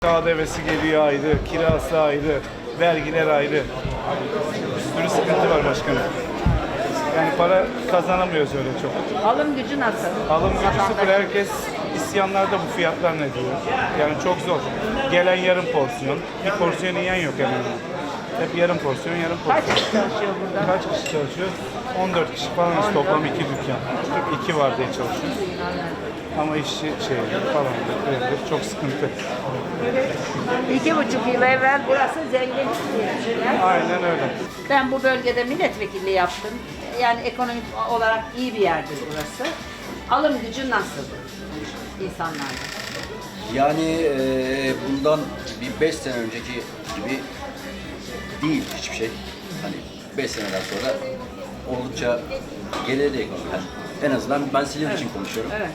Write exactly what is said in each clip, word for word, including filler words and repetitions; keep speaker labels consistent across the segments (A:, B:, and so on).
A: K D V'si geliyor ayrı, kirası ayrı, vergiler ayrı. Bir sürü sıkıntı var başkanım. Yani para kazanamıyoruz öyle çok.
B: Alım gücü nasıl?
A: Alım gücü
B: Vatandaş-
A: sıfır. Herkes isyanlarda bu fiyatlar ne diyor. Yani çok zor. Gelen yarım porsiyon. Bir porsiyon yiyen yok hemen. Hep yarım porsiyon, yarım
B: Kaç
A: porsiyon.
B: kişi çalışıyor burada?
A: Kaç kişi çalışıyor? on dört kişi falan. İşte toplam iki dükkan. iki var diye çalışıyoruz. Ama işçi şey falan böyle çok sıkıntı.
B: İki buçuk yıl evvel burası zenginlik diye.
A: Aynen öyle.
B: Ben bu bölgede milletvekilliği yaptım. Yani ekonomik olarak iyi bir yerdir burası. Alım gücü nasıl insanlarda?
C: Yani eee, bundan bir beş sene önceki gibi değil hiçbir şey. Hani beş seneden sonra oldukça geriledi ekonomi. Yani en azından ben Silivri için konuşuyorum.
B: Evet.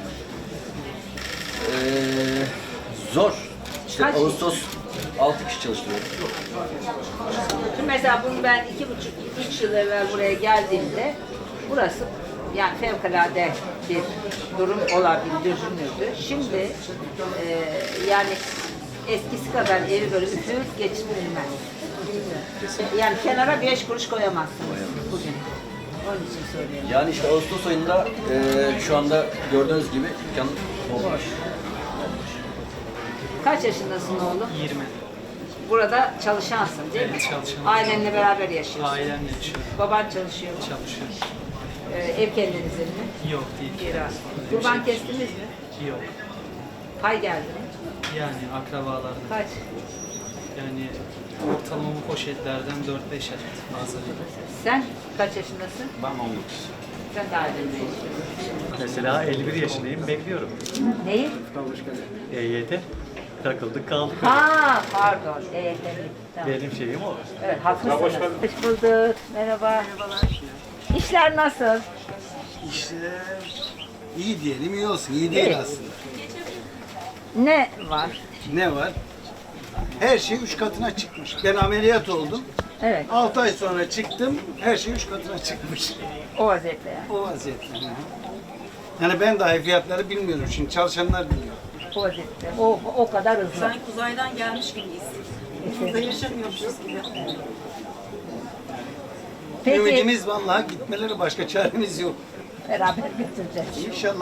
C: Eee, zor. İşte
B: Kaç-
C: Ağustos altı kişi çalıştırıyorum.
B: Şimdi mesela bunu ben iki buçuk, üç yıl evvel buraya geldiğimde burası yani fevkalade bir durum olabilir, düşünürdü. Şimdi e, yani eskisi kadar evi böyle üfürüp geçirilmez. Yani kenara beş kuruş koyamazsınız bugün. Onun için söylüyorum.
C: Yani işte Ağustos ayında eee, şu anda gördüğünüz gibi dükkan bomboş.
B: Kaç yaşındasın oğlum?
D: yirmi.
B: Burada çalışansın değil mi?
D: Evet, çalışanım.
B: Ailenle beraber yaşıyorsun.
D: Ailemle yaşıyorum.
B: Baban çalışıyor.
D: Çalışıyorum.
B: Ee, ev kendinizin mi?
D: Yok değil.
B: Kira. Kurban kestiniz mi?
D: Yok.
B: Pay geldi mi?
D: Yani akrabalardan.
B: Kaç?
D: Yani ortalama bu poşetlerden dört beş adet fazla.
B: Sen kaç yaşındasın?
E: Ben on dokuz.
B: Sen de ailenle yaşıyorsun.
E: Mesela elli bir yaşındayım, bekliyorum.
B: Neyi?
E: E Y T takıldık kaldık.
B: Ha pardon. Evet, evet. Tamam.
E: Benim şeyim o.
B: Evet haklısınız. Hoş bulduk. Merhaba. Merhabalar. İşler nasıl?
F: İşte iyi diyelim iyi olsun. İyi değil
B: İyi.
F: aslında.
B: Ne var?
F: Ne var? Her şey üç katına çıkmış. Ben ameliyat oldum.
B: Evet.
F: altı ay sonra çıktım. Her şey üç katına çıkmış.
B: O vaziyette yani.
F: O vaziyette. hı hı. Yani ben dahi fiyatları bilmiyorum. Şimdi çalışanlar biliyor.
B: O vaziyette. O, o kadar hızlı.
G: Sanki uzaydan gelmiş gibiyiz. Burada yaşamıyormuşuz gibi.
B: Peki
F: Ümidimiz vallahi gitmeleri başka çaremiz yok.
B: beraber götüreceğiz.
F: İnşallah.